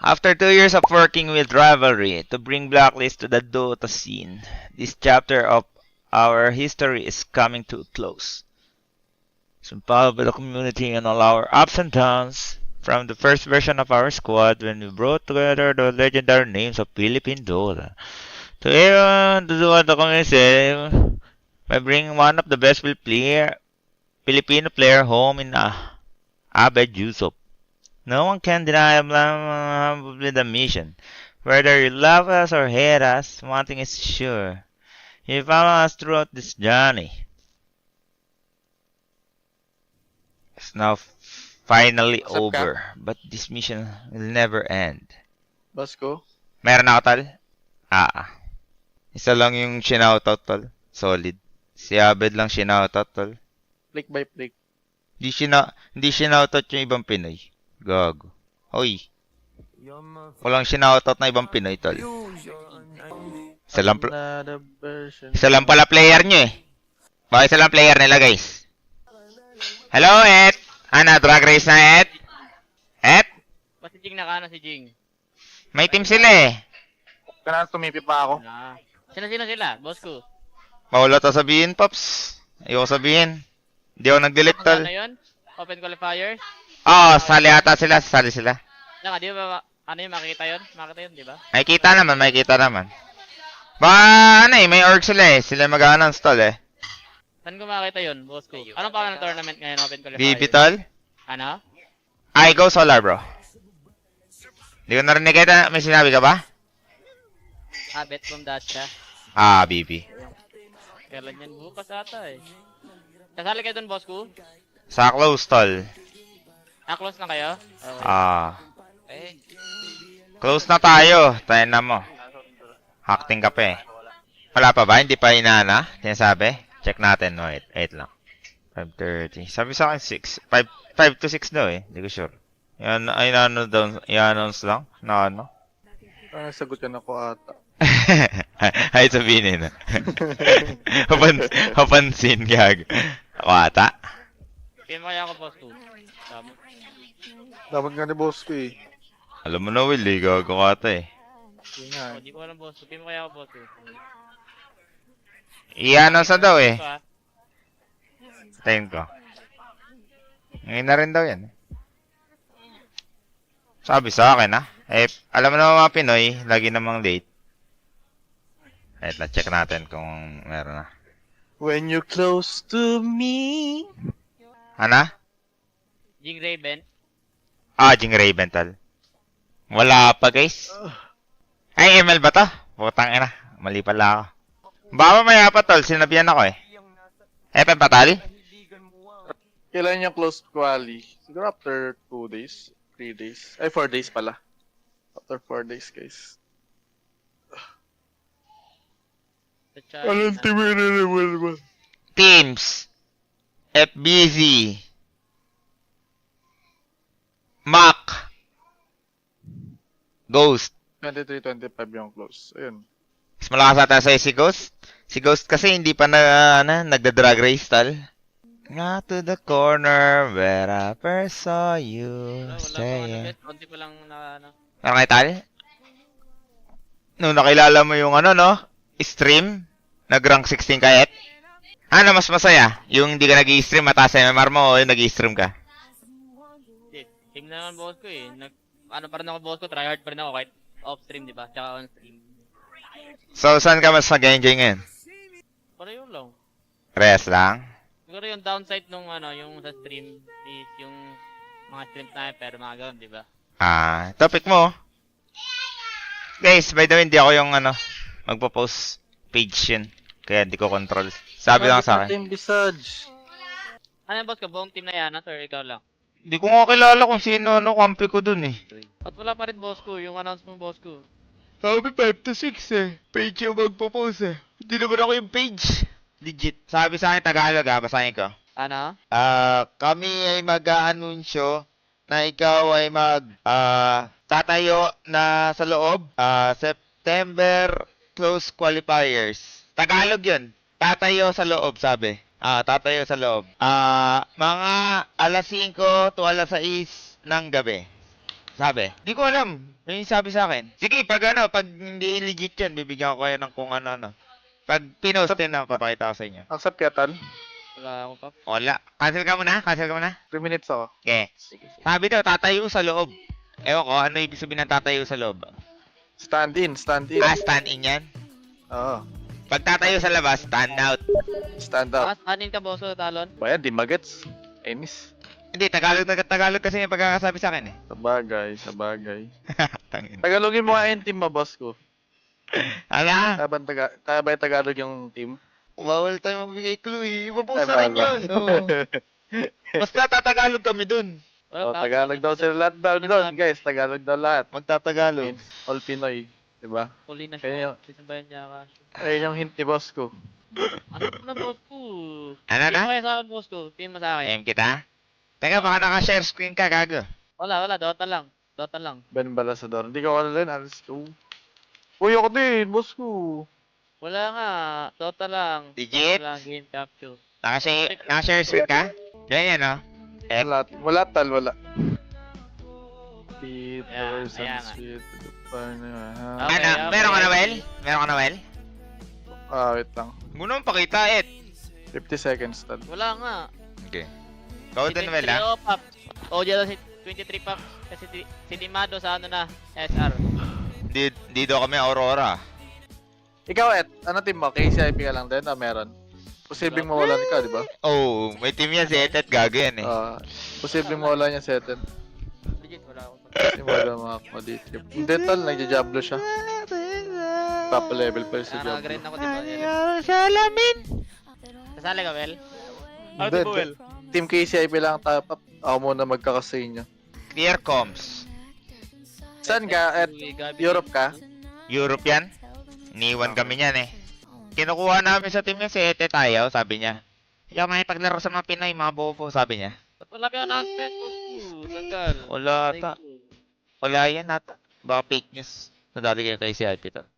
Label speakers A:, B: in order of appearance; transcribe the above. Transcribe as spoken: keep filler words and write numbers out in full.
A: After two years of working with Rivalry to bring Blacklist to the Dota scene, this chapter of our history is coming to a close. So proud by the community and all our ups and downs, from the first version of our squad when we brought together the legendary names of Philippine Dota, to everyone to do what the community by bringing one of the best player, Filipino player home in uh, Abed Yusuf. No one can deny blah, with the mission. Whether you love us or hate us, one thing is sure. You follow us throughout this journey. It's now finally
B: What's up, Cap?
A: over, but this mission will never end.
B: Basko?
A: Meron ako, tol? Ah, isa lang yung shinoutout, tol. Solid. Si Abed lang shinoutout, tol.
B: Flick by flick.
A: Hindi shina hindi shinoutout yung ibang Pinoy. Gago. Hoy. Walang shinoutout na ibang Pinoy, tol. Isa lang,
B: Another version.
A: isa lang pala player nyo eh. Bakit isa lang player nila, guys? Hello, Et! Ana, drag race na, Et? Et?
C: Ba si Jing nakano si Jing?
A: May team sila eh.
B: Kailangan tumipi pa ako.
C: Ah. Sino-sino sila? Boss ko.
A: Mawala ta sabihin, Pops. Ayoko sabihin. Hindi ako nag-delete, tol.
C: Ano yun? Open qualifiers?
A: Oo, oh, sali ata sila. Sali sila.
C: Naka, di ba, ano yun, makikita yun? Makita yun, di ba?
A: May kita naman, may kita naman. Baka, ano eh, may org sila eh. Sila mag-announce, tol eh.
C: Saan ko makita yun, boss ko? Anong pangalan ng tournament ngayon, open qualifiers?
A: B B, tol?
C: Ano?
A: I go solar, bro. Hindi ko narinig kita. May sinabi ka ba?
C: Ah, bet from Dacha.
A: Ah, B B.
C: Kailan yan? Bukas ata eh. Kasali kayo dun, boss ko?
A: Sa close, tol.
C: Ah, close na kayo? Okay.
A: Ah.
C: Eh,
A: Close na tayo. Tayo na mo. Acting ka pa eh. Wala pa ba? Hindi pa inaana? Sinasabi? Check natin. No, wait. Wait lang. five thirty. Sabi sa akin six. five to six daw eh. Hindi ko sure. Yan, ay ano daw. I-announce lang. Na ano?
B: Ah, sagot yan ako ata.
A: Ay, sabihin eh. Hapan, hapansin, gag. Ako ata.
C: pin mo kaya ako, boss ko. Tama.
B: Dapat nga ni boss ko eh.
A: Alam mo na, Will, eh. Gago ka ata eh.
B: Yun nga
C: Oh,
B: eh.
C: di ko alam, boss ko. Pin mo kaya ako, boss ko.
A: I-announce na daw eh.
C: Ito, ah.
A: Tayin ko. Ngayon na rin daw yan. Sabi sa akin, ha? Eh, alam mo naman mga Pinoy, lagi namang late. Eh, na-check natin kung meron na.
B: When you're close to me.
A: Ano?
C: Jing Raven.
A: Ah, Jing Raven, tal. Wala pa, guys. Ay, M L ba to? Putang ina. Mali pala ako. Baka maya pa, tol. Sinabihan ako eh. F M pa, tal?
B: Kailan yung close quali? Siguro after two days. three days. Ay, four days pala. After four days, guys.
C: Sa chat.
B: Anong team yun naman ba?
A: Teams. F B Z. Mac. Ghost.
B: twenty-three twenty-five yung close. Ayun.
A: Mas malakas ata sa'yo si Ghost. Si Ghost kasi hindi pa na, ano, nagda-drag race, tal. Nga to the corner where I first saw you
C: Wala, wala pa ako
A: staying.
C: bet. Konti pa lang na, ano.
A: Ano kay tal? Nung nakilala mo yung ano, no? Stream? Nag-rank sixteen ka, et? Ano mas masaya? Yung hindi ka nag-i-stream, mataas M M R mo o yung nag-i-stream ka?
C: Shit. Team na naman, boss ko eh. Nag, ano pa rin ako, boss ko. Tryhard pa rin ako kahit off-stream, di ba? Tsaka on-stream.
A: So, saan ka mas nag-enjoy ngayon?
C: Pero yun lang.
A: Rest lang?
C: Siguro yung downside nung ano, yung sa stream is yung mga stream sniper, mga ganun, di ba?
A: Ah, topic mo. Guys, by the way, hindi ako yung ano, magpo-post page yun. Kaya hindi ko control. Sabi lang sa akin.
B: Team Visage.
C: Ano yung boss ko? Buong team na yan, sir? Ikaw lang.
A: Hindi ko nga kilala kung sino ano, kampi ko dun eh.
C: At wala pa rin boss ko, yung announcement boss ko.
A: Sabi five to six eh. Page yung magpo-post eh. Hindi naman ako yung page. Legit. Sabi sa akin, Tagalog ah, basahin ko.
C: Ano?
A: Ah, kami ay mag-aanunsyo na ikaw ay mag ah tatayo na sa loob ah September close qualifiers. Tagalog 'yun. Tatayo sa loob, sabi. Ah, tatayo sa loob. Ah, mga alas singko to alas sais ng gabi. Sabi? Hindi ko alam. May sabi sa akin. Sige, pag ano, pag hindi legit yan, bibigyan ko kayo ng kung ano-ano. Pag pinost din na, papakita ko sa inyo.
B: Accept ka, Tal.
C: Wala akong pap.
A: Wala. Cancel ka muna? Cancel ka muna?
B: three minutes ako.
A: Okay. Sabi daw, tatayo sa loob. Ewan ko, ano ibig sabihin ng tatayo sa loob?
B: Stand in, stand in.
A: Ah, stand in yan?
B: Oo.
A: Pag tatayo sa labas, stand out.
B: Stand up.
C: Takas, anin ka, boss ko, talon.
B: Bayan, di magets. Enis.
A: Hindi, Tagalog na Tagalog kasi yung pagkakasabi sa akin eh.
B: Sabagay, sabagay.
A: Tangin.
B: Tagalogin mo nga yung team mo, boss ko.
A: Ala,
B: Kaya ba, taga, kaya ba yung Tagalog yung team?
A: bawal tayo magbigay clue eh. Iba po
B: Ay,
A: sa akin
B: bawal.
A: yun. Oo. Basta tatagalog kami dun.
B: Oh, Tagalog daw sila lahat daw doon, guys. Tagalog daw lahat.
A: Magtatagalog.
B: All Pinoy. Diba?
C: Huli na
B: Kaya
C: siya.
B: yung,
C: Bisan ba yun niya ka?
B: ayun yung hint ni boss ko.
C: Ano na, boss ko?
A: Ano
C: Pin
A: na?
C: mo kayo sa akin, boss ko. Pin mo sa akin.
A: M kita? Teka, baka naka-share screen ka, gago.
C: Wala, wala. Dota lang. Dota lang.
B: Ben Balasador. Hindi ko alam din. Alas ko. Uy, ako din, boss ko.
C: Wala nga. Dota lang.
A: Legit?
C: Dota lang. Game capture.
A: Naka-share, naka-share screen ka? Ganyan, no? F.
B: Wala, wala tal, wala. Peter,
C: Ayan, ayan nga.
B: Sunsweet, paano ha?
C: Okay,
A: ano,
C: okay.
A: meron ka na, Well? Meron ka na, Well?
B: Ah, wait lang.
A: Muna mong pakita, Ed.
B: fifty seconds tal.
C: Wala nga.
A: Okay. Ikaw din, Well, ha?
C: Oh, pop. O, dyan si twenty-three pop. Kasi si, si Dimado sa ano na, S R.
A: Di, di daw kami Aurora.
B: Ikaw, Et, ano team mo? K C I P ka lang din? Ah, meron. Posibleng mawalan ka, di ba?
A: Oh, may team yan si Ed at gago yan eh.
B: Ah, posibleng mawalan niya si Eten.
C: Legit, wala akong pag-
B: Kasi wala mga kumaditip. Hindi tal, nagja-jablo siya. Top level pa rin sa
C: Kaya
B: Diablo.
C: nag-grind ako, di ba?
A: Salamin!
C: Sasali ka, Well?
B: Hindi, t- Team K C I P lang top up. Ako muna magkakasay niya.
A: Clear comms.
B: Saan ka, Et? Europe ka?
A: Europe yan? Iniwan kami niyan eh. Kinukuha namin sa team niya si Ete tayo, sabi niya. Ikaw may paglaro sa mga Pinoy, mga bobo, sabi niya.
C: Ba't wala ka announcement, boss ko? Tagal.
A: Wala ata. Wala yan ata. Baka fake news. Nadali kayo kay si I P to.